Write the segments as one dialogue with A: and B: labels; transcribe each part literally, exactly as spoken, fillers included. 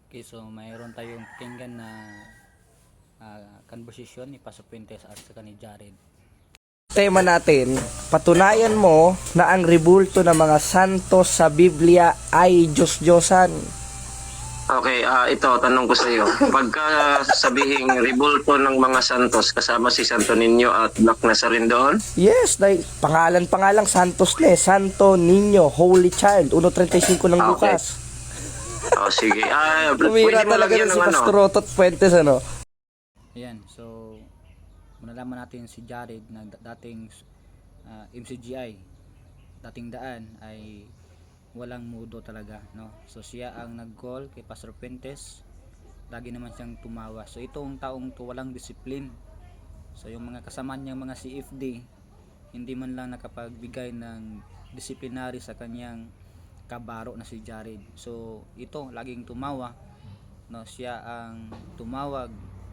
A: Okay, so mayroon tayong pakinggan na uh, conversation ni Pastor Fuentes at saka ni Jared.
B: Tema natin, patunayan mo na ang rebulto ng mga santos sa Biblia ay Diyos-Diyosan.
C: Okay, ah ito, tanong ko sa iyo. Pagka sabihing rebulto ng mga santos, kasama si Santo Niño at Black Nazarene doon?
B: Yes, dahil pangalan pa nga lang santos na eh. Santo Niño, Holy Child, one thirty-five ng
C: Okay.
B: Lucas.
C: Oh, sige. Ah,
B: Tumira
C: pwede mo
B: talaga
C: lagyan
B: na si
C: ng ano?
B: Pastor Otot Fuentes, ano?
A: Ayan, so malalaman natin si Jared na dating uh, M C G I, dating daan ay walang mudo talaga, no? So siya ang nag-call kay Pastor Fuentes, lagi naman siyang tumawa. So itong taong to walang discipline. So yung mga kasama niyang mga C F D hindi man lang nakapagbigay ng disciplinary sa kanyang kabaro na si Jared. So ito laging tumawa, no? Siya ang tumawag.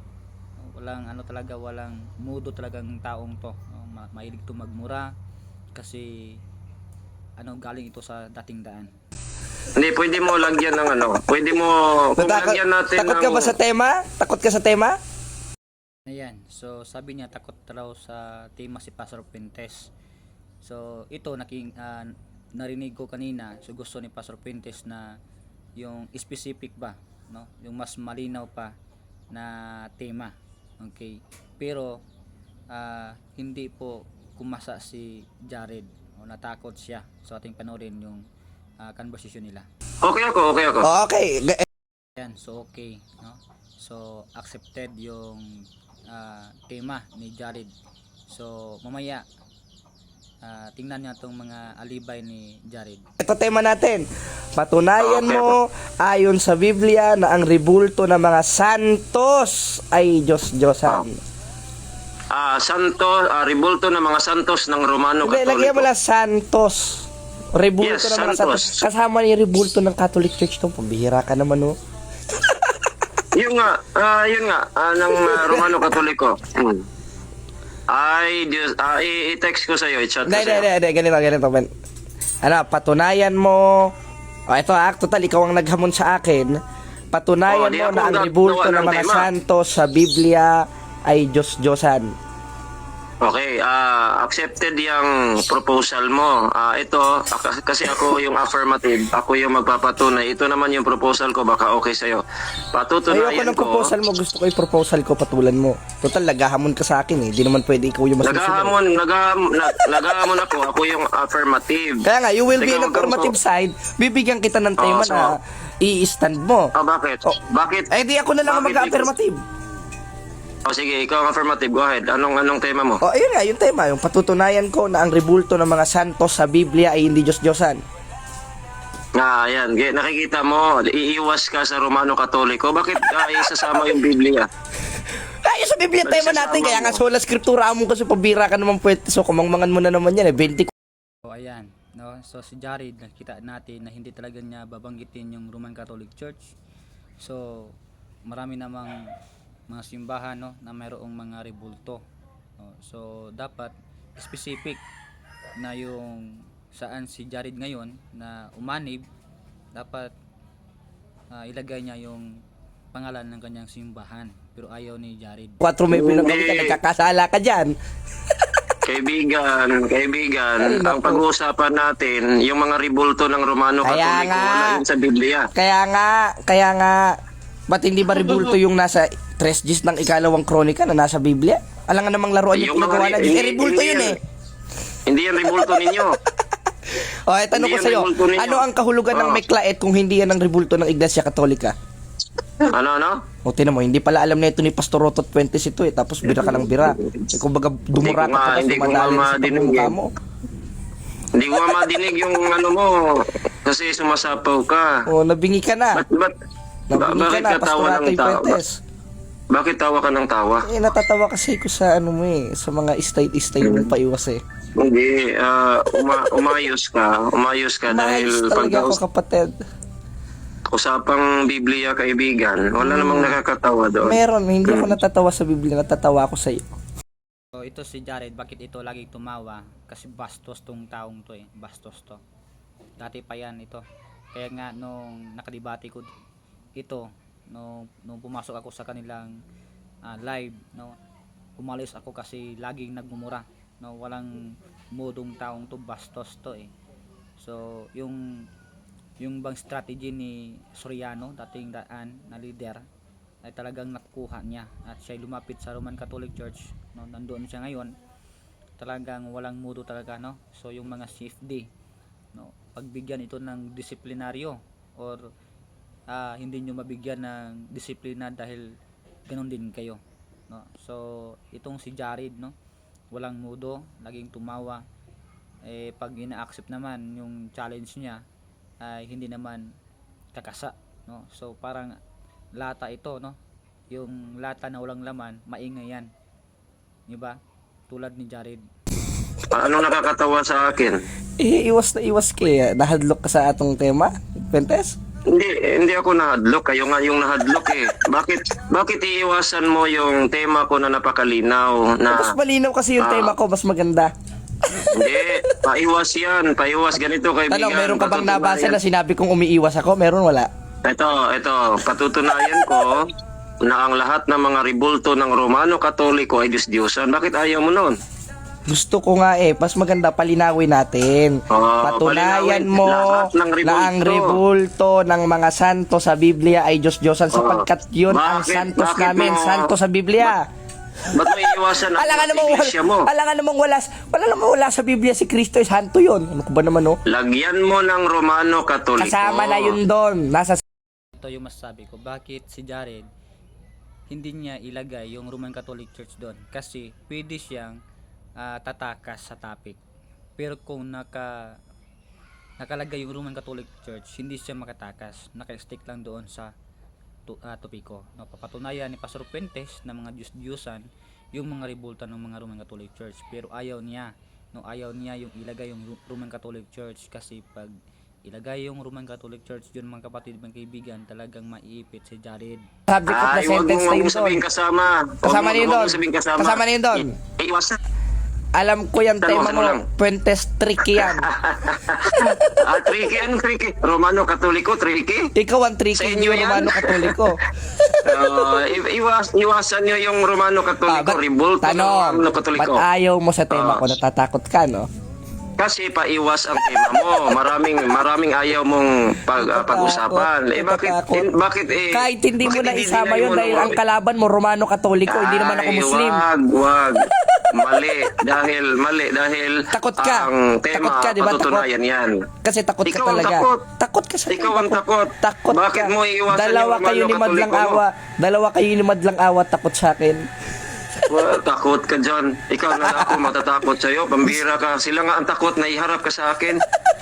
A: Walang ano talaga, walang mudo talagang taong to, no? Ma- Mahilig to magmura kasi ano, galing ito sa dating daan.
C: Hindi, pwede mo lagyan ng ano? Pwede mo, kung
B: Natakot,
C: lagyan natin
B: takot
C: ng...
B: ka ba sa tema? Takot ka sa tema?
A: Ayan, so sabi niya takot raw sa tema si Pastor Fuentes. So ito naking ah, narinig ko kanina, so gusto ni Pastor Fuentes na yung specific ba, no? Yung mas malinaw pa na tema. Okay. Pero ah, hindi po kumasa si Jared o natakot siya. So ating panoorin yung ah, conversation nila.
C: Okay ako, okay ako.
B: Okay.
A: Ayan, so okay, no? So accepted yung ah, tema ni Jared. So mamaya ah, tingnan niyo itong mga alibay ni Jared.
B: Ito tema natin. Patunayan
C: Okay.
B: mo ayon sa Biblia na ang rebulto ng mga santos ay Diyos-Diyosan.
C: Ah, santo, ah, rebulto ng mga santos ng Romano
B: Hindi, lagyan mo
C: Katoliko.
B: lang santos. Rebulto
C: Yes,
B: ng mga
C: santos.
B: santos. Kasama ni rebulto ng Catholic Church to. Pambihira ka naman, no?
C: Yun nga, ah, yun nga, ah, ng ah, Romano Katoliko. Hmm. Ay, Diyos, ah, i- i-text ko sa iyo, i-chat ko
B: Hindi,
C: sa
B: hindi,
C: iyo.
B: hindi. Ganito, ganito. Ben. Ano, patunayan mo. O, ito ah, total, ikaw ang naghamon sa akin. Patunayan
C: Oh, di
B: mo
C: ako
B: na ang
C: gagawa
B: rebulto ng
C: ng
B: mga
C: tema.
B: santos sa Biblia ay Diyos-Diyosan.
C: Okay, ah, accepted yung proposal mo. Ah, ito, ak- kasi ako yung affirmative, ako yung magpapatunay. Ito naman yung proposal ko, baka okay sa iyo.
B: Ayoko
C: Patutunayan
B: ng
C: ko.
B: proposal mo. Gusto ko yung proposal ko, patulan mo. Total, nagahamon ka sa akin eh. Di naman pwede ikaw yung masusunod.
C: Nagahamon, nagahamon, nag- nagahamon ako, ako yung affirmative.
B: Kaya nga, you will be
C: Ikaw
B: in
C: ang
B: affirmative side. Bibigyan kita ng tema
C: Oh, so-
B: na i-stand mo.
C: Ah, bakit?
B: Oh.
C: Bakit?
B: Eh di ako na lang ang
C: Bakit
B: mag-affirmative.
C: Oh, sige, ikaw ang affirmative. Go ahead. Anong anong tema mo?
B: O ayun nga, yung tema. Yung patutunayan ko na ang rebulto ng mga santos sa Biblia ay hindi Diyos-Diyosan.
C: Ah, yan. Ge- Nakikita mo, iiwas ka sa Romano Katoliko. Bakit uh, isasama yung Biblia?
B: Ay, sa Biblia
C: Ba't
B: tema
C: sasama
B: natin. Kaya nga
C: mo?
B: sola scriptura mo kasi pabira ka naman pwede. So kumangmangan mo na naman yan eh. twenty
A: So ayan, no? So si Jared, nakita natin na hindi talaga niya babanggitin yung Roman Catholic Church. So marami namang mga simbahan, no, na mayroong mga rebulto. No? So dapat specific na yung saan si Jared ngayon na umanib, dapat ah, ilagay niya yung pangalan ng kanyang simbahan. Pero ayaw ni Jared.
B: Quattro may pinagawa ka.
C: Hindi.
B: Nagkakasala ka dyan.
C: Kaibigan, kaibigan,
B: Ay,
C: ang
B: naku.
C: pag-uusapan natin, yung mga rebulto ng Romano
B: Kaya
C: Katoliko,
B: nga.
C: wala yun sa Biblia.
B: Kaya nga, kaya nga, ba't hindi ba rebulto yung nasa tres gis ng ikalawang kronika na nasa Biblia? Alam nga namang laruan yung
C: Yung mga
B: pinagawa
C: re-
B: na Diyos. Eh,
C: hindi-
B: rebulto
C: hindi
B: yun
C: yan.
B: eh.
C: Hindi yan rebulto ninyo.
B: O, eh, tanong
C: Hindi
B: ko
C: yan
B: sa'yo,
C: rebulto ninyo.
B: ano ang kahulugan ng
C: Oh.
B: Meklaet kung hindi yan ang rebulto ng Iglesia Katolika?
C: Ano, ano?
B: O, tinan mo, hindi pala alam na ito ni Pastor Rotot Fuentes ito eh, tapos bira ka ng bira. Eh, kumbaga, dumurata
C: Hindi ko nga-
B: ka pa,
C: hindi ko nga
B: sumadali sa
C: madinig
B: pagmumukha
C: eh.
B: mo.
C: Hindi ko nga madinig yung ano mo, kasi sumasapaw ka.
B: O, nabingi ka na.
C: Ba't, ba't, ba-
B: Nabingi ka
C: bakit
B: na,
C: ka
B: Pastor
C: tawa ng
B: Rotot
C: tawa?
B: Fuentes.
C: Bakit tawa ka ng tawa?
B: Eh, natatawa kasi ko sa ano mo eh, sa mga istay-istay mong paiwas eh.
C: Hindi, ah, uma- umayos ka. Umayos ka
B: Maayos
C: dahil
B: talaga ako,
C: pag
B: kapatid.
C: usapang Biblia, kaibigan, wala namang nakakatawa doon.
B: Meron, hindi ako natatawa sa Biblia, natatawa ako sa iyo.
A: So ito si Jared, bakit ito lagi tumawa? Kasi bastos tong taong to eh, bastos to. Dati pa yan ito. Kaya nga nung nakadibati ko ito, no nung pumasok ako sa kanilang ah, live, no, umalis ako kasi laging nagmumura, no, walang modong taong to, bastos to eh. So yung yung bang strategy ni Soriano, dating daan na leader, ay talagang nakuha niya at siya lumapit sa Roman Catholic Church, no, nandoon siya ngayon, talagang walang mudo talaga, no. So yung mga C F D, no, pagbigyan ito ng disiplinaryo or ah, hindi nyo mabigyan ng disiplina dahil ganun din kayo, no. So itong si Jared, no, walang mudo, laging tumawa, eh pag ina-accept naman yung challenge niya ay hindi naman kakasa, no. So parang lata ito, no, yung lata na walang laman, maingay yan, di ba, tulad ni Jared.
C: Anong nakakatawa sa akin?
B: Eh, iwas na iwas kaya nahadlok ka sa atong tema, Fuentes.
C: Hindi, hindi ako nahadlok. Kayo nga yung nahadlok eh. Bakit, bakit iiwasan mo yung tema ko na napakalinaw na...
B: Mas malinaw kasi yung
C: Ah.
B: tema ko, mas maganda.
C: Hindi, paiwas yan. Paiwas ganito kaibigan.
B: Tanong, meron ka bang nabasa
C: Patutunayan-
B: na sinabi kong umiiwas ako? Meron, wala?
C: Ito, ito. Patutunayan ko na ang lahat ng mga ribulto ng Romano Katoliko ay Diyos-Diyosan. Bakit ayaw mo nun?
B: Gusto ko nga eh, mas maganda palinawin natin.
C: Oo,
B: Patunayan
C: palinawin.
B: mo
C: Lahat ng
B: na ang
C: ribulto.
B: ribulto ng mga santo sa Biblia ay Diyos-Diyosan sapagkat yun ang
C: Bakit-
B: santos
C: bakit
B: namin,
C: mo-
B: santo sa Biblia.
C: Ba't mo iiwasan ang
B: Alangan namang
C: iglesia mo?
B: wala, alangan namang wala, wala namang wala sa Biblia si Kristo ay santo yun. Ano ko ba naman oh?
C: Lagyan mo ng Romano Katoliko.
B: Kasama na yun doon. Nasa
A: Ito yung masasabi ko, bakit si Jared hindi niya ilagay yung Roman Catholic Church doon, kasi pwede siyang ah, tatakas sa topic, pero kung naka nakalagay yung Roman Catholic Church, hindi siya makatakas, naka-stick lang doon sa tu, ah, topiko, no. Papatunayan ni Pastor Fuentes na mga Diyos-Diyosan yung mga ribulta ng mga Roman Catholic Church, pero ayaw niya, no, ayaw niya yung ilagay yung Ro- Roman Catholic Church, kasi pag ilagay yung Roman Catholic Church yun, mga kapatid, mga kaibigan, talagang maiipit si Jared.
B: subject of the
C: Ay, wag
B: sentence
C: mong
B: na
C: wag
B: yun
C: mong sabihin
B: doon.
C: kasama. Wag
B: Kasama
C: mo-
B: na yun
C: wag mong
B: doon.
C: sabihin kasama.
B: Kasama na yun doon.
C: I- Iiwasan.
B: Alam ko yung
C: Tanong
B: tema
C: mo
B: mo,
C: lang.
B: Fuentes tricky yan.
C: ah, tricky, anong tricky? Romano Katoliko, tricky?
B: Ikaw ang tricky
C: Sa inyo
B: yung
C: yan?
B: Romano Katoliko.
C: Uh, i- iwas, iwasan nyo yung Romano
B: Ah,
C: Katoliko,
B: ba't-
C: ribulto ng
B: tanong,
C: Romano Katoliko.
B: ba't ayaw mo sa tema
C: Ah.
B: ko, natatakot ka, no?
C: Kasi paiwas ang tema mo. Maraming maraming ayaw mong pag, ah, pag-usapan. Eh bakit
B: Natatakot.
C: in- bakit eh
B: Kahit hindi mo
C: bakit
B: na isama
C: dinay
B: yun
C: mo
B: dahil
C: na-
B: ang kalaban mo Romano Katoliko, hindi naman ako
C: Ay,
B: Muslim.
C: Wag, wag. Mali dahil mali dahil
B: Takot ka.
C: ang tema
B: Takot ka, di ba?
C: patutunayan yan.
B: Kasi takot ka
C: Ikaw ang
B: talaga.
C: takot.
B: Takot ka sa
C: Ikaw ang takot.
B: Takot
C: Bakit
B: ka.
C: mo iiwasan
B: Dalawa
C: yung
B: kayo
C: Romano
B: ni Madlang
C: Katoliko mo?
B: Awa. Dalawa kayo ni Madlang Awa takot sa akin.
C: Well, takot ka dyan. Ikaw na lang ako matatakot sa'yo. Pambira ka. Sila nga ang takot na iharap ka sa akin.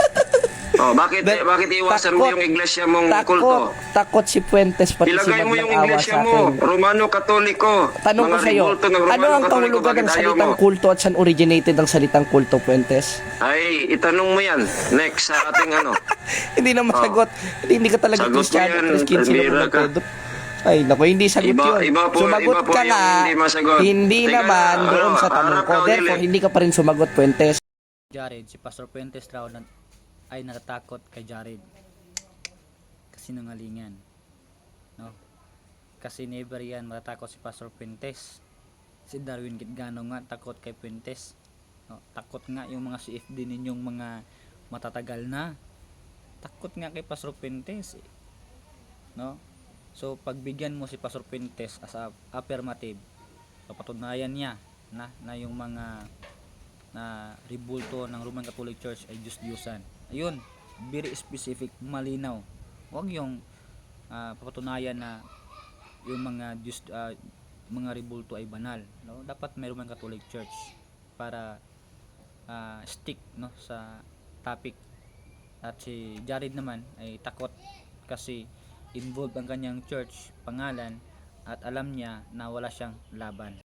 C: Oh, bakit
B: Dahil-
C: eh, bakit iwasan mo
B: takot.
C: yung iglesia mong
B: Takot.
C: kulto?
B: Takot si Fuentes pati si
C: Ilagay mo
B: Madlang
C: yung
B: Awa
C: iglesia
B: sa
C: mo,
B: akin.
C: Romano Katoliko.
B: Tanong ko
C: Mga
B: sa'yo,
C: ribulto ng Romano
B: ano ang
C: Katoliko,
B: kahulugan
C: bakit
B: ng
C: ayaw
B: salitang
C: mo?
B: kulto at saan originated ang salitang kulto, Fuentes?
C: Ay, itanong mo yan. Next sa ating ano.
B: Hindi na masagot. Hindi, hindi ka talaga
C: Sagot mo
B: Kristiyano.
C: yan,
B: Tres quince
C: Elvira
B: naman
C: ka.
B: Pedro. Ay, naku, hindi sagot
C: Iba-
B: yun.
C: iba po-
B: sumagot
C: iba po
B: ka
C: yung
B: nga.
C: hindi masagot.
B: Hindi
C: Teka
B: naman
C: na,
B: doon
C: ano,
B: sa tanong
C: harap
B: ko.
C: ka,
B: Therefore,
C: Willie.
B: hindi ka pa rin sumagot, Fuentes.
A: Jared, si Pastor Fuentes raw na, ay natatakot kay Jared. Kasinungalingan, no? Kasi never yan matatakot si Pastor Fuentes. Si Darwin Gitgano nga takot kay Fuentes, no? Takot nga yung mga C F D ninyong mga matatagal na. Takot nga kay Pastor Fuentes, eh, no? So pagbigyan mo si Pastor Fuentes as a affirmative, papatunayan niya na na yung mga na ribulto ng Roman Catholic Church ay Diyos-Diyosan. Ayun, very specific, malinaw. Huwag yung ah, papatunayan na yung mga Diyos, ah, mga ribulto ay banal, no? Dapat may Roman Catholic Church para ah, stick, no, sa topic. At si Jared naman ay takot kasi involved ang kanyang church pangalan at alam niya na wala siyang laban.